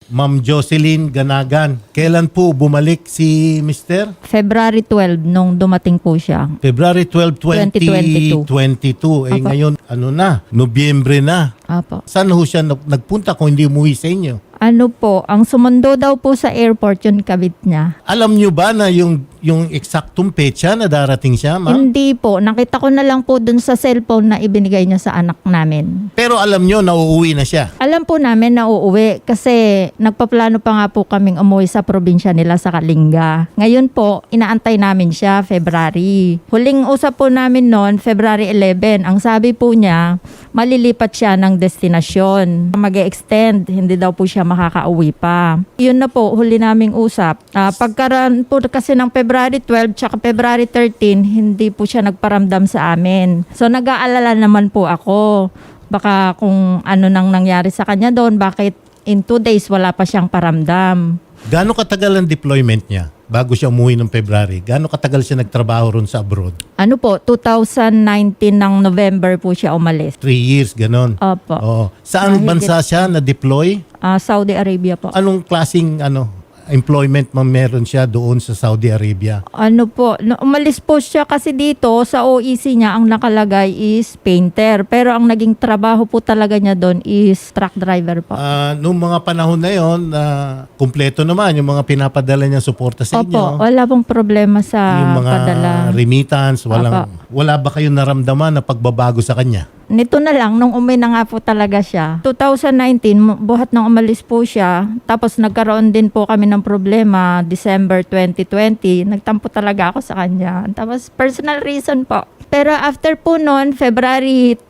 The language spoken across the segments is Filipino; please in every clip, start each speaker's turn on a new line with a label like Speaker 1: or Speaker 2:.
Speaker 1: Ma'am Jocelyn Ganagan. Kailan po bumalik si Mr.?
Speaker 2: February 12 nung dumating po siya.
Speaker 1: February 12, 2022. Eh
Speaker 2: Apo.
Speaker 1: ngayon, ano na, Nobyembre na.
Speaker 2: Apo.
Speaker 1: Saan ho siya nagpunta kung hindi umuwi sa inyo?
Speaker 2: Ano po, ang sumundo daw po sa airport yung kabit niya.
Speaker 1: Alam nyo ba na yung eksaktong petsa na darating siya, ma'am?
Speaker 2: Hindi po, nakita ko na lang po dun sa cellphone na ibinigay niya sa anak namin.
Speaker 1: Pero alam nyo na uuwi na siya.
Speaker 2: Alam po namin na uuwi kasi nagpaplano pa nga po kaming umuwi sa probinsya nila sa Kalinga. Ngayon po, inaantay namin siya February. Huling usap po namin noon, February 11. Ang sabi po niya, malilipat siya ng destinasyon. Mag-extend, hindi daw po siya makakauwi pa. Yun na po, huli naming usap. Pagkaroon po kasi ng February 12 tsaka February 13, hindi po siya nagparamdam sa amin. So nag-aalala naman po ako. Baka kung ano nang nangyari sa kanya doon, bakit in 2 days wala pa siyang paramdam.
Speaker 1: Gaano katagal ang deployment niya bago siya umuwi ng February? Gaano katagal siya nagtrabaho ron sa abroad?
Speaker 2: Ano po, 2019 ng November po siya umalis.
Speaker 1: 3 years, ganon.
Speaker 2: Opo.
Speaker 1: Oo. Saan bansa siya na-deploy?
Speaker 2: Saudi Arabia po.
Speaker 1: Anong klaseng employment meron siya doon sa Saudi Arabia?
Speaker 2: Ano po, umalis po siya kasi dito sa OEC niya ang nakalagay is painter. Pero ang naging trabaho po talaga niya doon is truck driver po.
Speaker 1: Noong mga panahon na yon, kumpleto naman yung mga pinapadala niya suporta sa
Speaker 2: Opo,
Speaker 1: inyo.
Speaker 2: wala pong problema sa
Speaker 1: Yung mga
Speaker 2: padala.
Speaker 1: remittance, wala ba kayong naramdaman na pagbabago sa kanya?
Speaker 2: Nito na lang, nung umuwi na nga po talaga siya. 2019, buhat nang umalis po siya. Tapos nagkaroon din po kami ng problema, December 2020. Nagtampo talaga ako sa kanya. Tapos personal reason po. Pero after po noon, February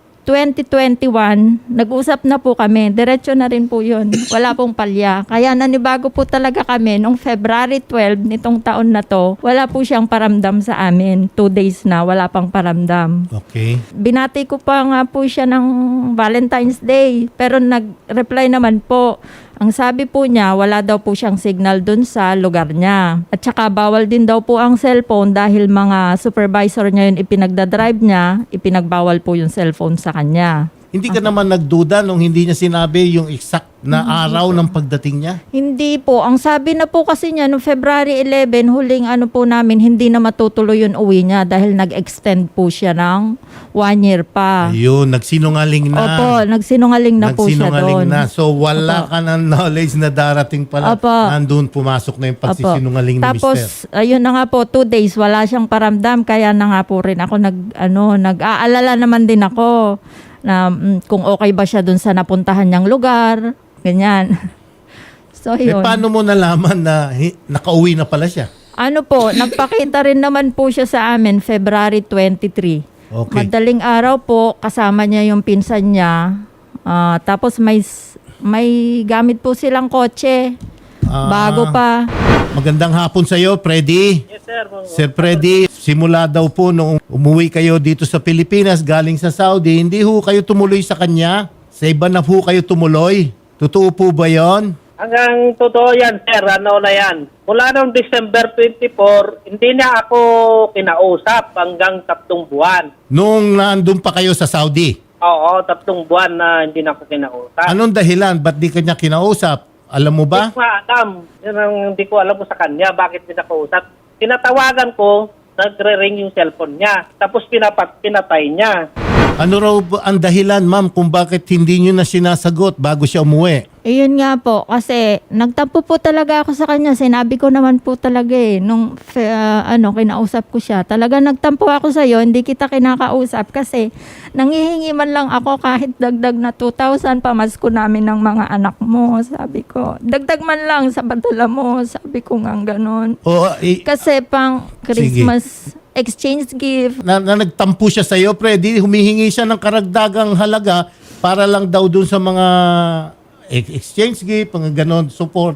Speaker 2: 2021, nag-usap na po kami. Diretso na rin po yun. Wala pong palya. Kaya nanibago po talaga kami nung February 12 nitong taon na to. Wala po siyang paramdam sa amin. 2 days na, wala pang paramdam.
Speaker 1: Okay.
Speaker 2: Binati ko pa nga po siya ng Valentine's Day. Pero nag-reply naman po. Ang sabi po niya, wala daw po siyang signal dun sa lugar niya. At saka bawal din daw po ang cellphone dahil mga supervisor niya yun ipinagdadrive niya, ipinagbawal po yung cellphone sa kanya.
Speaker 1: Hindi ka naman nagduda nung hindi niya sinabi yung exact na araw ng pagdating niya?
Speaker 2: Hindi po. Ang sabi na po kasi niya, noong February 11, huling ano po namin, hindi na matutuloy yung uwi niya dahil nag-extend po siya ng 1 year pa.
Speaker 1: Ayun, nagsinungaling na.
Speaker 2: Opo, nagsinungaling na po siya
Speaker 1: Nagsinungaling
Speaker 2: doon.
Speaker 1: na. So wala ka ng knowledge na darating pala.
Speaker 2: Opo.
Speaker 1: Nandun pumasok na yung pagsisinungaling ni
Speaker 2: Tapos,
Speaker 1: Mr.
Speaker 2: ayun na nga po, 2 days, wala siyang paramdam. Kaya na nga po rin ako nag-aalala naman din ako na kung okay ba siya dun sa napuntahan niyang lugar. Ganyan. So, yun.
Speaker 1: Paano mo nalaman na nakauwi na pala siya?
Speaker 2: Ano po, nagpakita rin naman po siya sa amin February 23.
Speaker 1: Okay.
Speaker 2: Madaling araw po, kasama niya yung pinsan niya. Tapos may gamit po silang kotse. Bago pa.
Speaker 1: Magandang hapon sa iyo, Freddy.
Speaker 3: Yes, sir.
Speaker 1: Sir Freddy, simula daw po nung umuwi kayo dito sa Pilipinas galing sa Saudi, hindi ho kayo tumuloy sa kanya? Sa iba na ho kayo tumuloy? Totoo po ba yon?
Speaker 3: Hanggang totoo yan, sir. Ano na yan? Mula noong December 24, hindi niya ako kinausap hanggang 3 buwan.
Speaker 1: Nung nandun pa kayo sa Saudi?
Speaker 3: Oo, 3 buwan na hindi na ako kinausap.
Speaker 1: Anong dahilan? Ba't di kanya kinausap? Alam mo ba?
Speaker 3: Hindi ko alam. Yun ang hindi ko alam sa kanya. Bakit hindi nakausap? Tinatawagan ko, nagre-ring yung cellphone niya. Tapos pinatay niya.
Speaker 1: Ano raw ba ang dahilan, ma'am, kung bakit hindi nyo na sinasagot bago siya umuwi?
Speaker 2: Ayun nga po, kasi nagtampo po talaga ako sa kanya. Sinabi ko naman po talaga nung kinausap ko siya. Talaga nagtampo ako sa'yo, hindi kita kinakausap kasi nangihingi man lang ako kahit dagdag na 2,000 pamasko namin ng mga anak mo. Sabi ko, dagdag man lang sa padala mo. Sabi ko nga ganon. Kasi pang Christmas exchange gift.
Speaker 1: Na nagtampo siya sa iyo, Freddy, humihingi siya ng karagdagang halaga para lang daw dun sa mga exchange gift, mga ganon, support.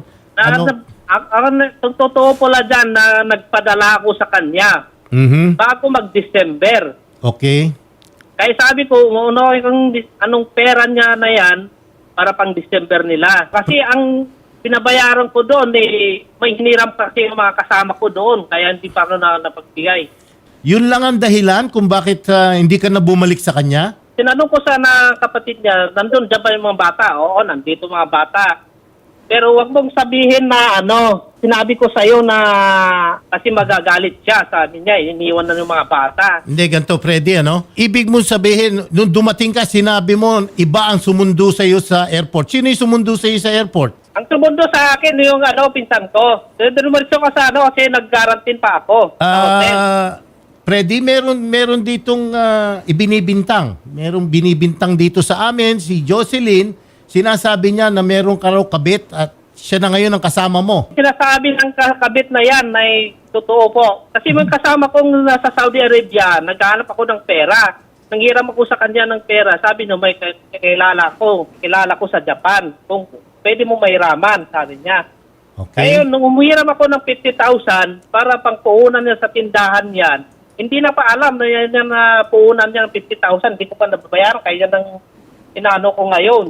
Speaker 3: Totoo pala dyan na nagpadala ako sa kanya bago mag-December.
Speaker 1: Okay.
Speaker 3: Kaya sabi ko, anong pera niya na yan para pang December nila. Kasi ang pinabayaran ko doon, may hiniram kasi yung mga kasama ko doon. Kaya hindi pa ako napagbigay.
Speaker 1: Yun lang ang dahilan kung bakit hindi ka na bumalik sa kanya?
Speaker 3: Tinanong ko sana kapatid niya, nandun dyan ba yung mga bata? Oo, nandito mga bata. Pero wag mong sabihin na sinabi ko sa'yo na kasi magagalit siya. Sabi niya, iniwan na ng mga bata.
Speaker 1: Hindi, ganito, Freddy, Ibig mo sabihin, nung dumating ka, sinabi mo, iba ang sumundo sa'yo sa airport. Sino yung sumundo sa'yo sa airport?
Speaker 3: Ang tumundo sa akin yung pinsan ko. Dumaritso ka sa kasi nag-guarantine pa ako. Sa hotel.
Speaker 1: Freddy, meron ditong ibinibintang. Merong binibintang dito sa amin, si Jocelyn. Sinasabi niya na meron ka raw kabit at siya na ngayon ang kasama mo.
Speaker 3: Sinasabi ng kabit na yan ay totoo po. Kasi yung kasama kong nasa Saudi Arabia, naghahanap ako ng pera. Nanghiram ako sa kanya ng pera. Sabi niya, may kilala ko sa Japan. Kung pwede mo mahiraman, sabi niya.
Speaker 1: Okay.
Speaker 3: Ngayon, nung umuhiram ako ng 50,000 para pang puhunan niya sa tindahan yan, hindi na pa alam na yan na puhunan niya ng 50,000. Hindi ko pa nababayaran. Kaya yan ang inaano ko ngayon.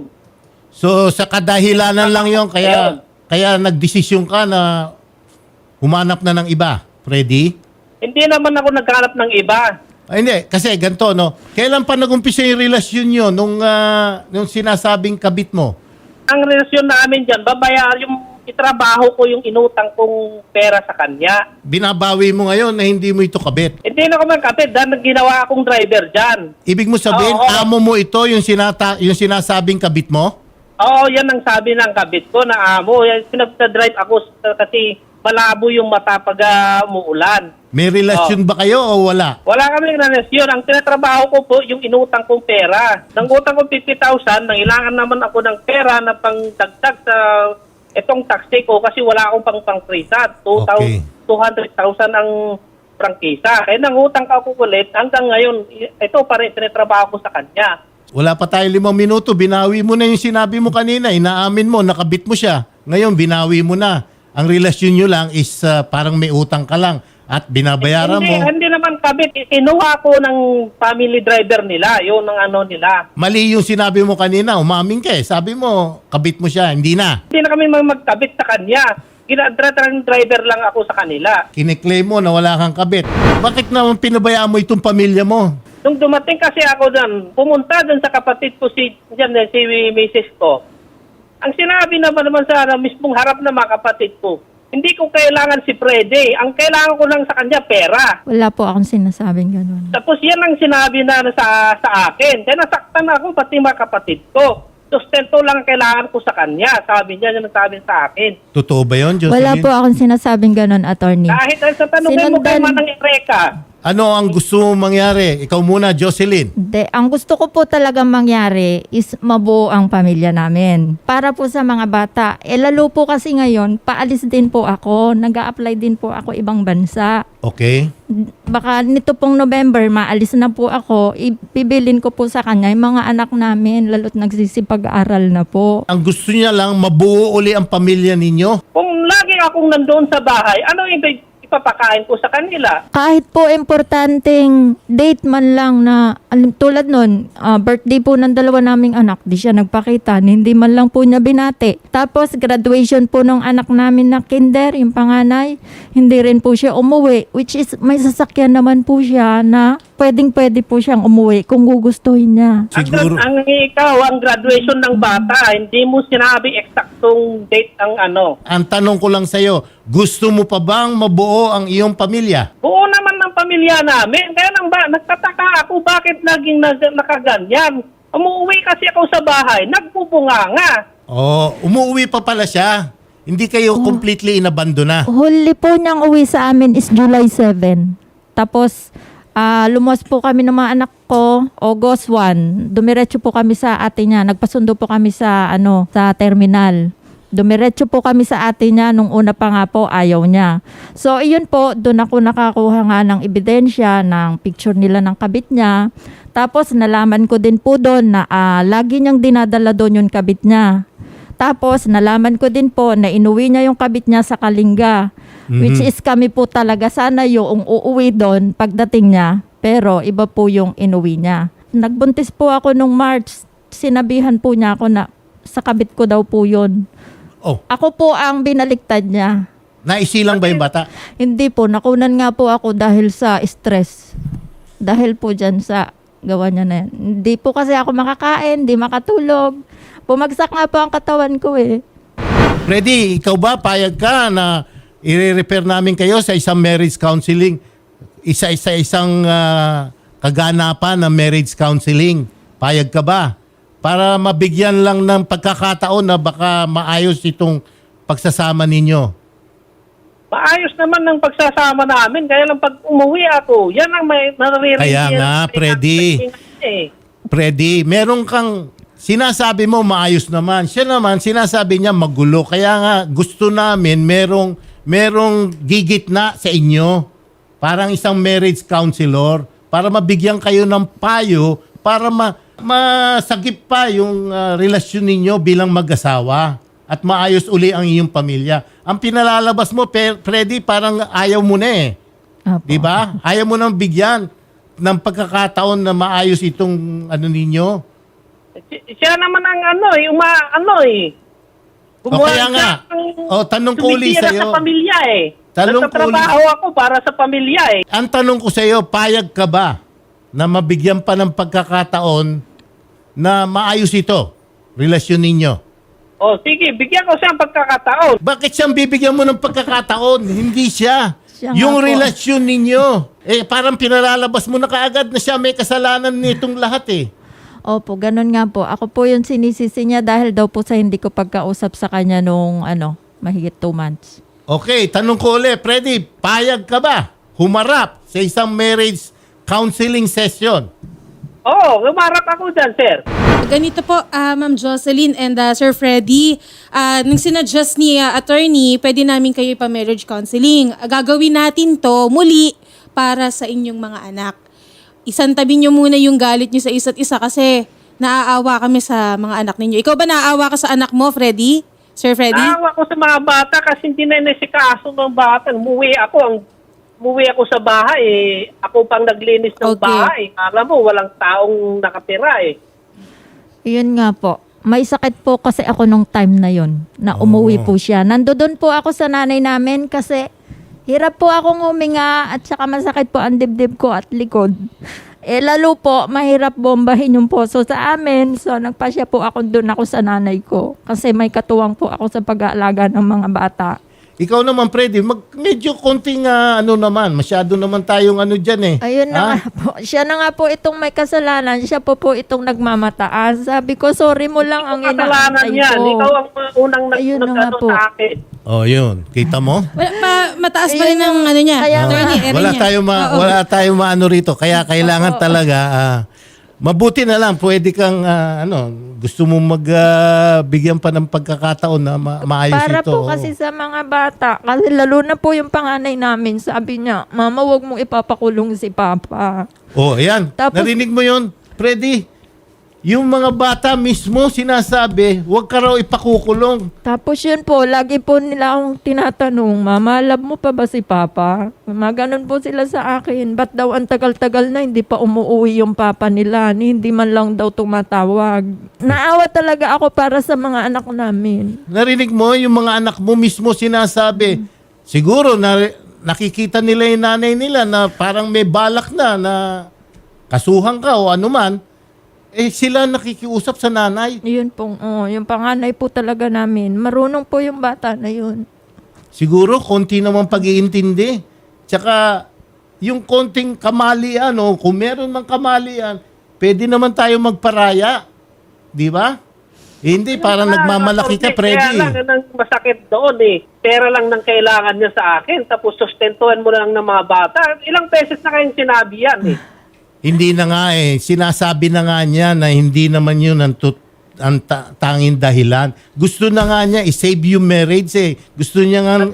Speaker 1: So sa kadahilanan lang yon kaya nagdesisyon ka na humanap na ng iba, Freddy?
Speaker 3: Hindi naman ako naghanap ng iba.
Speaker 1: Ay, hindi, kasi ganito, Kailan pa nag-umpisa yung relasyon nyo nung sinasabing kabit mo?
Speaker 3: Ang relasyon namin dyan, yung itrabaho ko yung inutang kong pera sa kanya.
Speaker 1: Binabawi mo ngayon na hindi mo ito kabit.
Speaker 3: Hindi na ako magkapit dahil ginawa akong driver dyan.
Speaker 1: Ibig mo sabihin,
Speaker 3: Oo.
Speaker 1: amo mo ito yung sinasabing kabit mo?
Speaker 3: Oo, yan ang sabi ng kabit ko na amo. Pinagta-drive ako kasi malabo yung mata pag umuulan.
Speaker 1: May relasyon ba kayo o wala?
Speaker 3: Wala kami relasyon. Ang tinatrabaho ko po yung inutang kong pera. Nang utang ko 50,000, nangailangan naman ako ng pera na pangdagdag sa itong taxi ko kasi wala akong pang-prisa.
Speaker 1: Okay.
Speaker 3: 200,000 ang prangkisa. Kaya nang utang ka ako ulit, hanggang ngayon, ito pa rin tinatrabaho ko sa kanya.
Speaker 1: Wala pa tayo 5 minuto, binawi mo na yung sinabi mo kanina, inaamin mo, nakabit mo siya. Ngayon, binawi mo na. Ang relasyon nyo lang is parang may utang ka lang at binabayaran mo.
Speaker 3: Hindi naman kabit. Kinuha ko ng family driver nila. Yun ang nila.
Speaker 1: Mali yung sinabi mo kanina, umamin ka eh. Sabi mo, kabit mo siya, hindi na.
Speaker 3: Hindi na kami magkabit sa kanya. Driver lang ako sa kanila.
Speaker 1: Kiniklaim mo na wala kang kabit. Bakit naman pinabayaan mo itong pamilya mo?
Speaker 3: Nung dumating kasi ako doon, pumunta doon sa kapatid ko si Mrs. ko. Ang sinabi naman sa mismong harap ng mga kapatid ko, hindi ko kailangan si Freddy. Ang kailangan ko lang sa kanya, pera.
Speaker 2: Wala po akong sinasabing ganun.
Speaker 3: Tapos yan ang sinabi na sa akin. Kaya nasaktan ako pati mga kapatid ko. Sustento lang ang kailangan ko sa kanya. Sabi niya, yung sabi sa akin.
Speaker 1: Totoo ba yun, Jocelyn?
Speaker 2: Wala po akong sinasabing ganun, attorney.
Speaker 3: Kahit sa tanongin mo kay Manang Ereka,
Speaker 1: Ano ang gusto mong mangyari? Ikaw muna, Jocelyn.
Speaker 2: Ang gusto ko po talaga mangyari is mabuo ang pamilya namin. Para po sa mga bata. Lalo po kasi ngayon, paalis din po ako. Nag-a-apply din po ako ibang bansa.
Speaker 1: Okay.
Speaker 2: Baka nito pong November, maalis na po ako. Ibibilin ko po sa kanya yung mga anak namin, lalo't nagsisipag-aral na po.
Speaker 1: Ang gusto niya lang, mabuo uli ang pamilya ninyo.
Speaker 3: kung lagi akong nandoon sa bahay, ano yung ipapakain ko sa kanila?
Speaker 2: Kahit po importanteng date man lang na, tulad nun, birthday po ng dalawa naming anak, di siya nagpakita, hindi man lang po niya binati. Tapos graduation po ng anak namin na kinder, yung panganay, hindi rin po siya umuwi, which is may sasakyan naman po siya na pwede po siyang umuwi kung gugustuhin niya.
Speaker 1: Siguro.
Speaker 3: Ang graduation ng bata, hindi mo sinabi eksaktong date ang
Speaker 1: Ang tanong ko lang sa'yo, gusto mo pa bang mabuo ang iyong pamilya?
Speaker 3: Buo naman ng pamilya namin. Kaya nagtataka ako bakit naging nakaganyan. Umuwi kasi ako sa bahay, nagbubunganga.
Speaker 1: Umuwi pa pala siya. Hindi kayo completely inabandona.
Speaker 2: Huli po niyang uwi sa amin is July 7. Tapos, lumuwas po kami ng mga anak ko, August 1. Dumiretso po kami sa ate niya. Nagpasundo po kami sa terminal. Dumiretso po kami sa ate niya. Nung una pa nga po, ayaw niya. So, iyon po, doon ako nakakuha nga ng ebidensya, ng picture nila ng kabit niya. Tapos, nalaman ko din po doon na lagi niyang dinadala doon yung kabit niya. Tapos, nalaman ko din po na inuwi niya yung kabit niya sa Kalinga. Which is kami po talaga sana yung uuwi doon pagdating niya. Pero, iba po yung inuwi niya. Nagbuntis po ako nung March. Sinabihan po niya ako na sa kabit ko daw po yun. Ako po ang binaliktad niya.
Speaker 1: Naisilang ba yung bata?
Speaker 2: Hindi po, nakunan nga po ako dahil sa stress. Dahil po dyan sa gawa niya na yan. Hindi po kasi ako makakain, hindi makatulog. Bumagsak nga po ang katawan ko eh.
Speaker 1: Freddy, ikaw ba payag ka na i-refer namin kayo sa isang marriage counseling? Isang kaganapan ng marriage counseling. Payag ka ba? Para mabigyan lang ng pagkakataon na baka maayos itong pagsasama ninyo.
Speaker 3: Maayos naman ng pagsasama namin. Kaya lang pag umuwi ako, yan ang may naririnig.
Speaker 1: Kaya nga, Freddy. Freddy, meron kang sinasabi mo maayos naman. Siya naman, sinasabi niya magulo. Kaya nga, gusto namin merong gigitna sa inyo. Parang isang marriage counselor. Para mabigyan kayo ng payo. Para masagip pa yung relasyon ninyo bilang mag-asawa. At maayos uli ang iyong pamilya. Ang pinalalabas mo, Freddy, parang ayaw mo na eh.
Speaker 2: Opo.
Speaker 1: Di ba? Ayaw mo nang bigyan ng pagkakataon na maayos itong ninyo.
Speaker 3: Siya naman ang
Speaker 1: O kaya nga, tanong ko uli
Speaker 3: tumitira
Speaker 1: sa'yo.
Speaker 3: sa pamilya eh.
Speaker 1: Tanong ko
Speaker 3: Nagtatrabaho ako para sa pamilya eh.
Speaker 1: Ang tanong ko sa'yo, payag ka ba na mabigyan pa ng pagkakataon na maayos ito, relasyon ninyo?
Speaker 3: O sige, bigyan ko siya ng pagkakataon.
Speaker 1: Bakit siyang bibigyan mo ng pagkakataon? Hindi siya.
Speaker 2: Siya nga
Speaker 1: Yung
Speaker 2: po.
Speaker 1: relasyon ninyo. Parang pinalalabas mo na kaagad na siya may kasalanan nitong lahat eh.
Speaker 2: Opo, ganun nga po. Ako po yung sinisisi niya dahil daw po sa hindi ko pagkausap sa kanya nung mahigit 2 months.
Speaker 1: Okay, tanong ko ulit, Freddy, payag ka ba humarap sa isang marriage counseling session?
Speaker 3: Oo, umarap ako dyan, sir.
Speaker 4: Ganito po, Ma'am Jocelyn and Sir Freddy, nung sinadjust ni attorney, pwede namin kayo ipa-marriage counseling. Gagawin natin to muli para sa inyong mga anak. Isantabi nyo muna yung galit nyo sa isa't isa kasi naaawa kami sa mga anak ninyo. Ikaw ba naaawa ka sa anak mo, Freddy? Sir Freddy?
Speaker 3: Naawa ko sa mga bata kasi hindi na nasikaso ng bata. Umuwi ako sa bahay eh. Ako pang naglinis ng
Speaker 4: Okay.
Speaker 3: bahay. Alam mo, walang taong nakatira eh.
Speaker 2: Yun nga po. May sakit po kasi ako nung time na yon na umuwi po siya. Nandoon po ako sa nanay namin kasi hirap po akong huminga at saka masakit po ang dibdib ko at likod. Lalo po, mahirap bombahin yung poso sa amin. So, nagpasya po ako doon ako sa nanay ko. Kasi may katuwang po ako sa pag-aalaga ng mga bata.
Speaker 1: Ikaw naman, Freddy, medyo konting naman, masyado naman tayong dyan eh.
Speaker 2: Ayun na nga po. Siya na nga po itong may kasalanan. Siya po itong nagmamataas. Sabi ko, sorry mo lang ang
Speaker 3: Kasalanan
Speaker 2: inaantay
Speaker 3: yan.
Speaker 2: ko.
Speaker 3: Ikaw ang unang
Speaker 2: Ayun na nga po.
Speaker 3: sa akin.
Speaker 1: Oh, yun. Kita mo?
Speaker 4: Mataas pa rin ang niya.
Speaker 2: Kaya nga.
Speaker 4: Attorney, area
Speaker 1: Wala
Speaker 4: niya.
Speaker 1: tayong
Speaker 4: Oo.
Speaker 1: wala tayong maano rito. Kaya kailangan talaga mabuti na lang pwede kang gusto mo magbigyan pa ng pagkakataon na maayos
Speaker 2: Para
Speaker 1: ito.
Speaker 2: po kasi sa mga bata. Kasi lalo na po yung panganay namin. Sabi niya, Mama, wag mong ipapakulong si Papa.
Speaker 1: Oh, ayan.
Speaker 2: Tapos-
Speaker 1: Narinig mo yun, Freddy? Yung mga bata mismo sinasabi, huwag ka raw ipakukulong.
Speaker 2: Tapos yun po, lagi po nila akong tinatanong, Mama, love mo pa ba si Papa? Maganon po sila sa akin. Ba't daw ang tagal-tagal na hindi pa umuwi yung Papa nila? Hindi man lang daw tumatawag. Naawa talaga ako para sa mga anak namin.
Speaker 1: Narinig mo, yung mga anak mo mismo sinasabi, siguro nakikita nila yung nanay nila na parang may balak na kasuhan ka o anuman, sila nakikiusap sa nanay.
Speaker 2: Yun po, yung panganay po talaga namin. Marunong po yung bata na yun.
Speaker 1: Siguro, konti naman pag-iintindi. Tsaka, yung konting kamalian, kung meron mang kamalian, pwede naman tayo magparaya. Di ba? Hindi, parang nagmamalaki ka, Freddy.
Speaker 3: Kaya lang ang masakit doon eh. Pera lang nang kailangan niya sa akin. Tapos sustentuhan mo lang ng mga bata. Ilang beses na kayong sinabi yan eh.
Speaker 1: Hindi na nga sinasabi na nga niya na hindi naman yun ang tanging dahilan. Gusto na nga niya i-save yung marriage eh. Gusto niya nga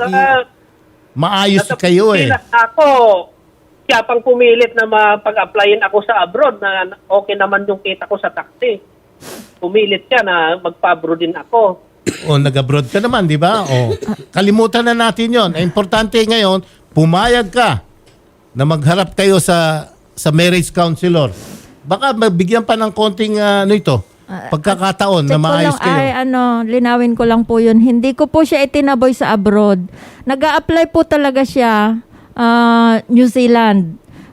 Speaker 1: maayos kayo eh.
Speaker 3: Ako, siya pang pumilit na mapag-applyin ako sa abroad na okay naman yung kita ko sa taxi. Pumilit siya na magpa-abroad din ako.
Speaker 1: O nag-abroad ka naman, di ba? O kalimutan na natin yon. Ang importante ngayon, pumayag ka na magharap kayo sa marriage counselor. Baka mabigyan pa ng konting pagkakataon na
Speaker 2: Check ko
Speaker 1: maayos
Speaker 2: lang,
Speaker 1: kayo.
Speaker 2: linawin ko lang po yun. Hindi ko po siya itinaboy sa abroad. Nag-a-apply po talaga siya New Zealand.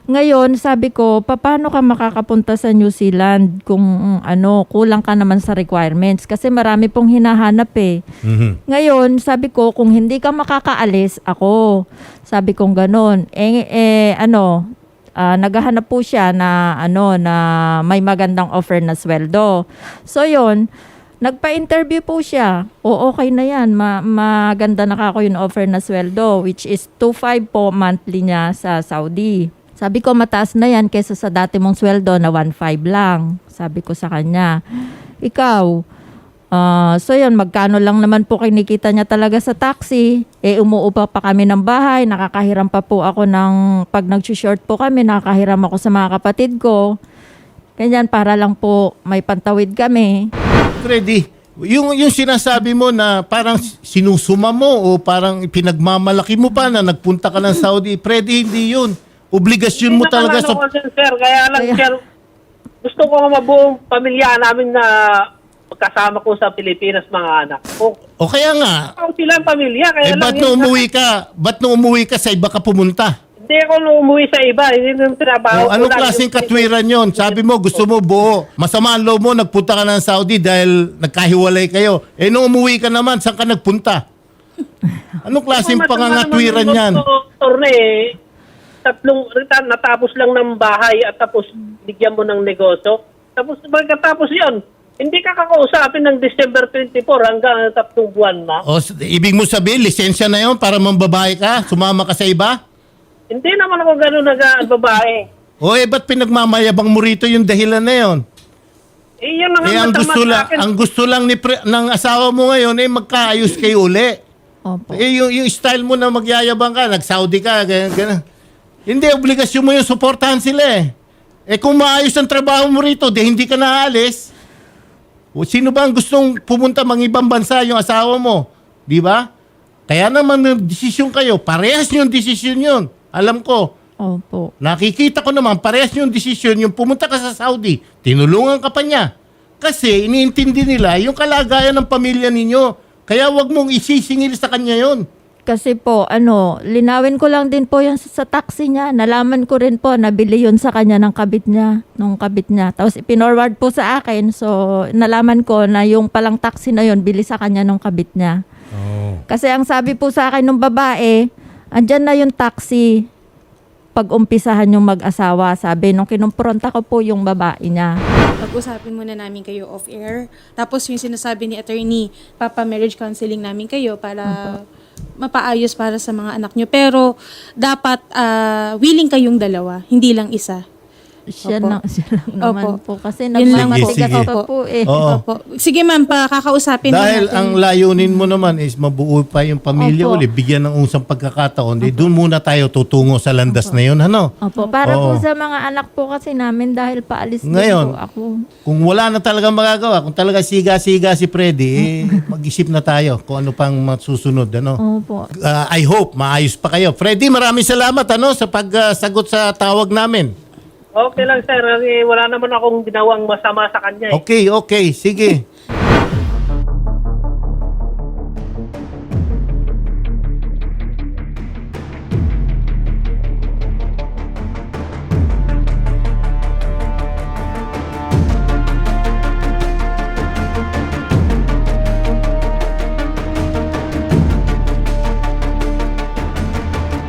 Speaker 2: Ngayon, sabi ko, paano ka makakapunta sa New Zealand kung kulang ka naman sa requirements? Kasi marami pong hinahanap eh.
Speaker 1: Mhm.
Speaker 2: Ngayon, sabi ko, kung hindi ka makakaalis, ako. Sabi kong ganon. Naghahanap po siya na may magandang offer na sweldo. So yon, nagpa-interview po siya. O okay na yan, maganda na ako yung offer na sweldo, which is 2.5 po monthly niya sa Saudi. Sabi ko, mataas na yan kaysa sa dati mong sweldo na 1.5 lang. Sabi ko sa kanya, ikaw, so yun, magkano lang naman po kinikita niya talaga sa taxi. Umuupa pa kami ng bahay, nakakahiram pa po ako pag nag-short po kami, nakakahiram ako sa mga kapatid ko. Ganyan, para lang po may pantawid kami.
Speaker 1: Freddy, yung sinasabi mo na parang sinusuma mo o parang pinagmamalaki mo pa na nagpunta ka ng Saudi, Freddy, hindi yun. Obligasyon mo talaga sa...
Speaker 3: Sir, kaya lang, sir, gusto ko nga mabuong pamilya namin na magkasama ko sa Pilipinas, mga anak ko.
Speaker 1: O kaya nga,
Speaker 3: Ako silang pamilya, kaya lang...
Speaker 1: ba't nung umuwi ka sa iba ka pumunta?
Speaker 3: Hindi ako nung umuwi sa iba, hindi nung trabaho.
Speaker 1: O, anong klaseng katwiran yon? Sabi mo, gusto mo buo. Masama ang loob mo, nagpunta ka ng Saudi dahil nagkahiwalay kayo. Nung umuwi ka naman, saan ka nagpunta? Anong klaseng pangangatwiran yan?
Speaker 3: Natapos lang ng bahay at tapos bigyan mo ng negosyo. Tapos pagkatapos yon, hindi ka kakausapin ng December 24 hanggang 3 buwan na.
Speaker 1: O, ibig mo sabihin, lisensya na yon para mambabae ka? Sumama ka sa iba?
Speaker 3: Hindi naman ako gano'n nag-babae.
Speaker 1: O ba't pinagmamayabang mo rito yung dahilan na yon?
Speaker 3: Yun na nga
Speaker 1: ang
Speaker 3: masama
Speaker 1: gusto
Speaker 3: sa
Speaker 1: lang,
Speaker 3: akin.
Speaker 1: ang gusto lang ng asawa mo ngayon magkaayos kayo uli.
Speaker 2: Opo.
Speaker 1: Yung style mo na magyayabang ka, nag-Saudi ka, ganyan. Hindi, obligasyon mo yung suportahan sila eh. Kung maayos ang trabaho mo rito, hindi ka naalis. O sino ba ang gustong pumunta ibang bansa yung asawa mo? Di ba? Kaya naman desisyon kayo, parehas yung desisyon yun. Alam ko.
Speaker 2: Opo.
Speaker 1: Nakikita ko naman, parehas yung desisyon yung pumunta ka sa Saudi, tinulungan ka pa niya. Kasi iniintindi nila yung kalagayan ng pamilya ninyo. Kaya wag mong isisingil sa kanya yon.
Speaker 2: Kasi po, linawin ko lang din po yan sa taxi niya. Nalaman ko rin po, nabili yun sa kanya ng kabit niya, nung kabit niya. Tapos ipinorward po sa akin. So, nalaman ko na yung palang taxi na yun, bili sa kanya nung kabit niya.
Speaker 1: Oh.
Speaker 2: Kasi ang sabi po sa akin ng babae, andyan na yung taxi pag-umpisahan yung mag-asawa. Sabi, nung kinumpronta ko po yung babae niya.
Speaker 4: Pag-usapin muna namin kayo off-air. Tapos yung sinasabi ni attorney, papa-marriage counseling namin kayo para mapaayos para sa mga anak nyo. Pero dapat willing kayong dalawa, hindi lang isa.
Speaker 2: Siya
Speaker 4: Opo.
Speaker 2: lang naman
Speaker 4: Opo.
Speaker 2: po. Kasi
Speaker 4: Yun lang
Speaker 2: nagmamatigas
Speaker 1: po.
Speaker 2: pa po eh.
Speaker 1: Oo.
Speaker 4: Opo. Sige ma'am, kakausapin
Speaker 1: Dahil
Speaker 4: natin.
Speaker 1: ang layunin mo naman is mabuo pa yung pamilya
Speaker 2: Opo.
Speaker 1: uli, bigyan ng usang pagkakataon, doon muna tayo tutungo sa landas na yun, ano?
Speaker 2: Opo, para
Speaker 1: Oo.
Speaker 2: po sa mga anak po kasi namin dahil paalis
Speaker 1: Ngayon,
Speaker 2: din po ako.
Speaker 1: Kung wala na talagang magagawa, kung talaga siga-siga si Freddy, mag-isip na tayo kung ano pang masusunod, ano?
Speaker 2: Opo.
Speaker 1: I hope maayos pa kayo. Freddy, maraming salamat sa pagsagot sa tawag namin.
Speaker 3: Okay lang, sir. Wala naman akong ginawang masama sa kanya.
Speaker 1: Okay, sige.